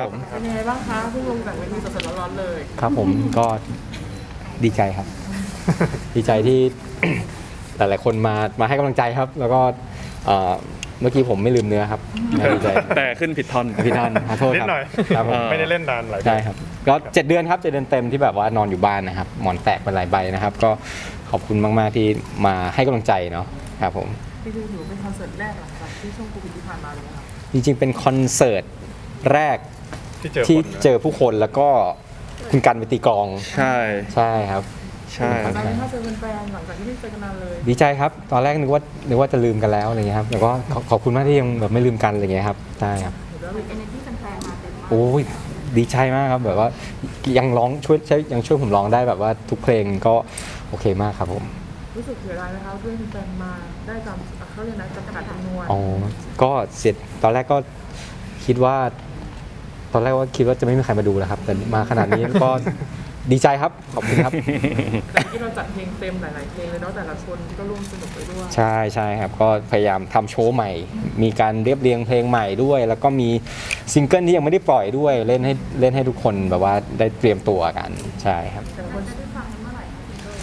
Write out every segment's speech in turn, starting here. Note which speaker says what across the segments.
Speaker 1: ผม
Speaker 2: เป็นยังไงบ้างคะเพิ่งลงจากเวทีสดๆร้อนๆเลย
Speaker 1: ครับผมก็ดีใจครับ ดีใจที่ หลายๆคนมาให้กำลังใจครับ แล้วก็เมื่อกี้ผมไม่ลืมเนื้อครับดีใจ
Speaker 3: แต่ขึ้นผิดท่อน
Speaker 1: พี่ท่านขอโทษ
Speaker 4: นิ
Speaker 1: ค
Speaker 4: ด
Speaker 1: รับ
Speaker 4: หน่อย
Speaker 1: ครับผม
Speaker 4: ไม่ได้เล่นนานหลายปี
Speaker 1: ใช่ครับก็7 เดือนครับ7 เดือนเต็มที่แบบว่านอนอยู่บ้านนะครับหมอนแตกไปหลายใบนะครับ ก็ขอบคุณมากๆที่มาให้กำลังใจเนาะครับผม
Speaker 2: จริงๆถือเป็นคอนเสิร์ตแรกหลังจากที่ช่วงโควิดที่ผ่านมาเลยนะครับ
Speaker 1: จริงๆเป็นคอนเสิร์ตแรก
Speaker 4: ที่เจอ
Speaker 1: ที่
Speaker 4: คนนะ
Speaker 1: เจอผู้คนแล้วก็คุณกันไปตีกลอง
Speaker 3: ใช่
Speaker 1: ใช่ครับ
Speaker 3: ใช่
Speaker 2: ตอนนี้ถ้าเจอแฟนๆหลังจากที่ไม่เจอกันนานเลย
Speaker 1: ดีใจครับตอนแรกนึกว่าจะลืมกันแล้วอะไรเงี้ยครับแต่ก็ขอบคุณมากที่ยังแบบไม่ลืมกันอะไรเงี้ยครับใช่ครับ
Speaker 2: เห็นแล้ว
Speaker 5: เอเนอร์จีแฟนๆมาเต็มมาก
Speaker 1: โอ้ยดีใจมากครับแบบว่ายังร้องยังช่วยผมร้องได้แบบว่าทุกเพลงก็โอเคมากครับผม
Speaker 2: รู้สึกเสียดายนะคะเพื่อนแฟนมาได้ตามเขาเรียกนะจำกัดจำนวน
Speaker 1: อ๋อก็เสร็จตอนแรกก็คิดว่าจะไม่มีใครมาดูแล้วครับ แต่มาขนาดนี้ก็ดีใจครับขอบคุณครับ
Speaker 2: แต่ที่เราจัดเพลงเต็มหลายๆเพลงเลยเนาะแต่ละคนก็ร่วมสนุกไปด้วย
Speaker 1: ใช่ครับก็พยายามทำโชว์ใหม่ มีการเรียบเรียงเพลงใหม่ด้วย แล้วก็มีซิงเกิลที่ยังไม่ได้ปล่อยด้วยเล่นให้ทุกคนแบบว่าได้เตรียมตัวกันใช่ครับ
Speaker 2: แต่ละคน
Speaker 5: จะได้ฟังเมื่อไหร่คะ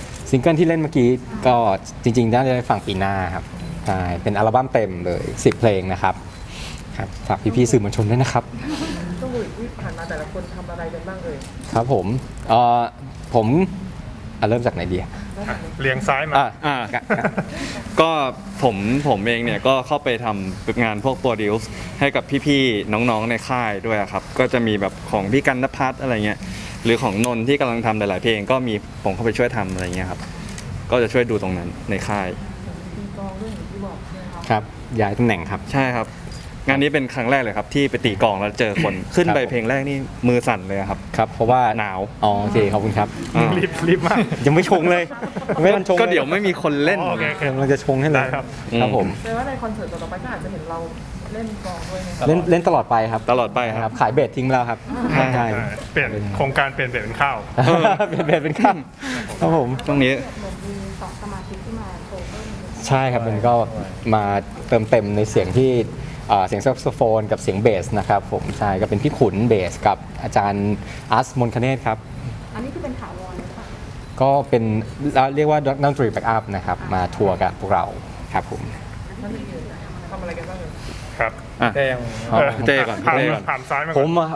Speaker 1: ซิงเกิลที่เล่นเมื่อกี้ก็จริงๆน่าจะได้ฟังปีหน้าครับใช่เป็นอัลบั้มเต็มเลย10 เพลงนะครับครับฝากพี่ๆสื่อมวลชนด้วยนะครับ
Speaker 2: ช่วงโควิดที่ผ่านมาแต่ละคนทำอะไรกันบ้างเอ่ย
Speaker 1: ครับผมเริ่มจากไหนดี
Speaker 4: เรียงซ้ายมา
Speaker 1: อ่า
Speaker 3: ก็ผมเองเนี่ยก็เข้าไปทำงานพวกโปรดิวซ์ให้กับพี่ๆน้องๆในค่ายด้วยครับก็จะมีแบบของพี่กันณภัทรอะไรเงี้ยหรือของนนท์ที่กำลังทำหลายๆเพลงก็มีผมเข้าไปช่วยทำอะไรเงี้ยครับก็จะช่วยดูตรงนั้นในค่าย
Speaker 2: ตีกลองเรื่องอย่างที่บอกใช่ไหมคะ
Speaker 1: ครับย้ายตำแหน่งครับ
Speaker 3: ใช่ครับ งานนี้เป็นครั้งแรกเลยครับที่ไปตีกลองแล้วเจอคนขึ้นไป
Speaker 1: ครับ
Speaker 3: เพลงแรกนี่มือสั่นเลยครับ
Speaker 1: ครับเพราะว่า
Speaker 3: หนาว
Speaker 1: อ๋อโอเคขอบคุณครับ
Speaker 4: รีบมาก
Speaker 1: ยังไม่ชงเลยไม่ทันชง
Speaker 3: ก็เดี๋ยวไม่มีคนเล่น
Speaker 4: อ๋อโอเคโอเค
Speaker 1: กำลังจะชงให้เลย
Speaker 4: ได้ครับ
Speaker 1: ครับผม
Speaker 2: แปลว่าในคอนเสิร์ตต่อไปก็อาจจะเห็นเราเล่นกลองด้วยไหมคะ
Speaker 1: เล่นตลอดไปครับ
Speaker 3: ตลอดไปครับ
Speaker 1: ขายเบสทิ้งไปแล้วครับใช่
Speaker 4: เปลี่ยนโครงการเปลี่ยนเป็นข้าว
Speaker 1: เปลี่ยนเบสเป็นข้ามครับผม
Speaker 3: ตรงนี้
Speaker 5: เหมือนมี2สมาชิกที่มาโชว์เพิ่ม
Speaker 1: ใช่ครับมันก็มาเติมเต็มในเสียงที่เสียงแซกโซโฟนกับเสียงเบสนะครับผมใช่ก็เป็นพี่ขุนเบสกับอาจารย์อัสมนคเนตครับ
Speaker 5: อันนี้คือเป็นถาวรหรือเปล่า
Speaker 1: ก็เป็นเรียกว่าดนตรีแบ็กอัพนะครับมาทัวร์กับพวกเราครับผม
Speaker 2: ท่านอื่นๆทำอะไรกันบ้างเอ่ย
Speaker 4: ครับ
Speaker 3: อ่ะ
Speaker 1: เต้ก่อน
Speaker 4: ผ่าน
Speaker 1: เต้ก่อน
Speaker 4: ผ่านซ้ายมา
Speaker 1: ผ
Speaker 4: ก่อน
Speaker 1: ม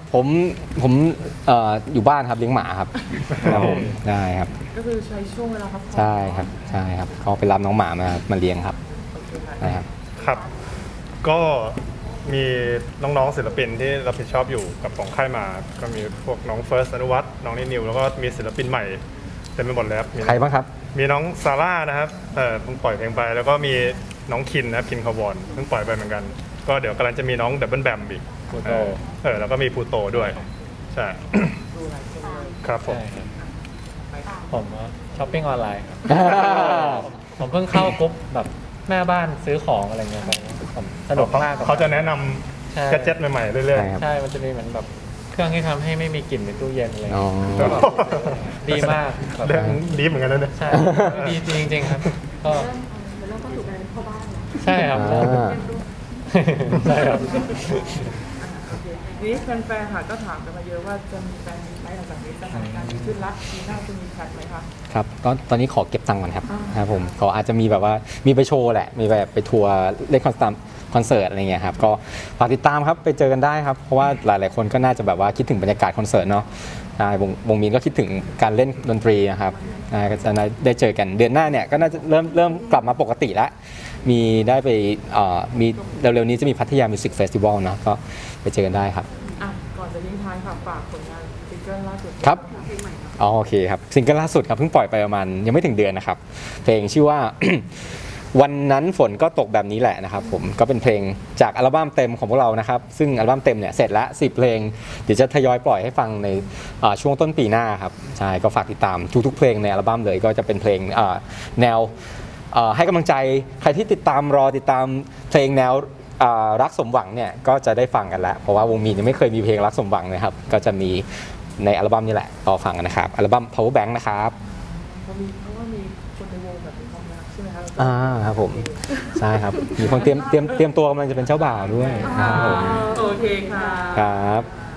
Speaker 1: อยู่บ้านครับเลี้ยงหมาครับครับผมได้ครับ
Speaker 2: ก็คือใช้ช่วงเวลาพักผ่อน
Speaker 1: ใช่ครับก็ไปรับน้องหมามาเลี้ยงครับ
Speaker 2: โอเคค่ะ
Speaker 1: นะครับ
Speaker 4: ครับ ก็มีน้องๆศิลปินที่รับผิดชอบอยู่กับของค่ายมา ก็มีพวกน้องเฟิร์สอนุวัฒน์น้องนิวแล้วก็มีศิลปินใหม่เต็มไปหมดเลยครับมี
Speaker 1: ใครบ้างครับ
Speaker 4: มีน้องซาร่านะครับเพิ่งปล่อยเพลงไป แล้วก็มีน้องคินนะครับคินคาร์บอนเพิ่งปล่อยไปเหมือนกัน ก็เดี๋ยวกำลังจะมีน้องดับเบิลแบมอีกแล้วก็มีพูโตด้วยใช่
Speaker 2: ดูหลายคนเลย
Speaker 4: ครับผม
Speaker 6: ผมช้อปปิ้งออนไลน์ครับ ผมเพิ่งเข้ากรุ๊ปแบบแม่บ้านซื้อของอะไรเงี้ยไปผมสนุกมากกับ
Speaker 4: เขาจะแนะน
Speaker 6: ใช่
Speaker 4: ำแกดเจ็ตใหม่ๆเรื่อย
Speaker 1: ใช่ครับ
Speaker 6: ใช่ มันจะมีเหมือนแบบเครื่องที่ทำให้ไม่มีกลิ่นในตู้เย็นอะไร
Speaker 1: อ๋อ
Speaker 6: เงี้ยก็แบบดีมากแบบ
Speaker 4: ๆเรื่องดีเหมือนกันนะเนี่ย
Speaker 6: ใช่ดีจริงๆครับ ก็
Speaker 5: เริ่มก็ถูกกันเข้าบ้านแล้ว
Speaker 6: ใช่ครับ
Speaker 1: อ่า
Speaker 6: ใช่ครับ
Speaker 2: โอเคนี่แฟนๆค่ะก็ถามกันมาเยอะว่าจะมีแฟนมีไหมหลังจากนี้สถานการณ์ดีขึ้นละปีหน้าจะมีแพลนไหมคะ
Speaker 1: ครับตอนนี้ขอเก็บตังค์ก่อนครับ
Speaker 2: อ่า
Speaker 1: ครับผมก็อาจจะมีแบบว่ามีไปโชว์แหละมีแบบไปทัวร์เล่นคอนเสิร์ตอะไรเงี้ยครับก็ฝากติดตามครับไปเจอกันได้ครับเพราะว่าหลายๆคนก็น่าจะแบบว่าคิดถึงบรรยากาศคอนเสิร์ตเนาะใช่วงมีนก็คิดถึงการเล่นดนตรีนะครับก็จะได้เจอกันเดือนหน้าเนี่ยก็น่าจะเริ่มกลับมาปกติแล้วมีได้ไปมีเร็วๆนี้จะมีพัทยามิวสิกเฟสติวัลนะก็ไปเจอกันได้ครับ
Speaker 2: อ่ะก่อนจะทิ้งท้ายค่ะฝากผลงานซิงเกิลล่าสุด
Speaker 1: ครับ
Speaker 2: เพลงใหม่ครับ
Speaker 1: อ๋อโอเคครับซิงเกิลล่าสุดครับเพิ่งปล่อยไปประมาณยังไม่ถึงเดือนนะครับเพลงชื่อว่า วันนั้นฝนก็ตกแบบนี้แหละนะครับผมก็เป็นเพลงจากอัลบั้มเต็มของพวกเรานะครับซึ่งอัลบั้มเต็มเนี่ยเสร็จแล้ว10 เพลงเดี๋ยวจะทยอยปล่อยให้ฟังในช่วงต้นปีหน้าครับใช่ก็ฝากติดตามทุกๆเพลงในอัลบั้มเลยก็จะเป็นเพลงแนวให้กำลังใจใครที่ติดตามเพลงแนวรักสมหวังเนี่ยก็จะได้ฟังกันแล้วเพราะว่าวงมีนยังไม่เคยมีเพลงรักสมหวังนะครับก็จะมีในอัลบั้มนี้แหละรอฟังกันนะครับอัลบั้ม Power Bank นะครับ
Speaker 2: เพราะว่ามีคนในวงแบบมีความรักใช่ไหมคะ
Speaker 1: ครับผมใช่ครับมีคนเตรียมตัวกำลังจะเป็นเจ้าบ่าวด้วยครับผม
Speaker 2: โอเคค่ะ
Speaker 1: ครับ